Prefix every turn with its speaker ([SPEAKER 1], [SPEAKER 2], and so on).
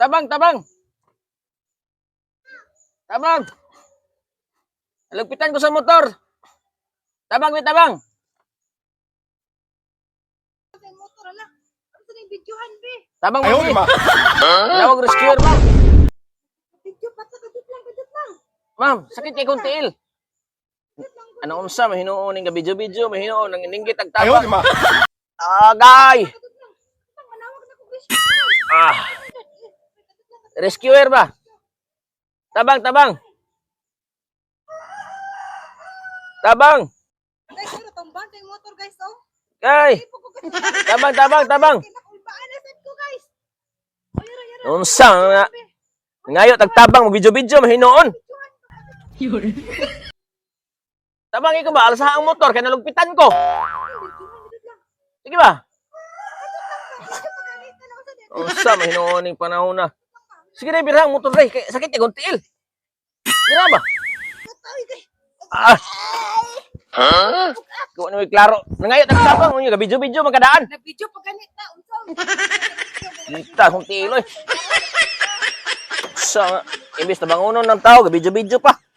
[SPEAKER 1] Tabang, tabang. Tabang. Lagpitan ko sa motor. Tabang, may tabang.
[SPEAKER 2] Motor ala. Ano sa videohan be?
[SPEAKER 1] Tabang
[SPEAKER 3] Ayaw,
[SPEAKER 1] mo.
[SPEAKER 3] di ba?
[SPEAKER 1] Tawag rescuer, ma'am.
[SPEAKER 2] Video pata kadut lang.
[SPEAKER 1] Ma'am, sakit kay kong tiil. Ano unsa mahinuon ning gabidyo-bidyo, mahinuon nang ninggit ag
[SPEAKER 3] Ayaw,
[SPEAKER 1] tabang.
[SPEAKER 3] di ba?
[SPEAKER 1] Agay.
[SPEAKER 2] Kadut lang. Tang manawag na ko guys.
[SPEAKER 1] Ah, rescuer ba? Tabang, tabang. Tabang.
[SPEAKER 2] Guys, ano tumbang kay motor guys oh.
[SPEAKER 1] Kay.
[SPEAKER 2] Ipo ko guys.
[SPEAKER 1] Tabang, tabang, tabang.
[SPEAKER 2] Kinakulbaan na set ko guys. Ayara yara.
[SPEAKER 1] Unsa nga ngayo tagtabang mo bidyo-bidyo mahinuon. Tabang ikaw ba alsa ang motor kay nalugpitan ko. Sige ba? Unsa mahinuon ning panahon na. Sige na birang motor day kay sakit kay tiil. Dira ba? Ah. Ko ano klaro. Nangayo tagtabang mo bidyo-bidyo magkadaan.
[SPEAKER 2] Nag-video pa ganit na unsa.
[SPEAKER 1] Kita kung tiil oy. Sa imbis na bangunon ng tao, bidyo-bidyo pa.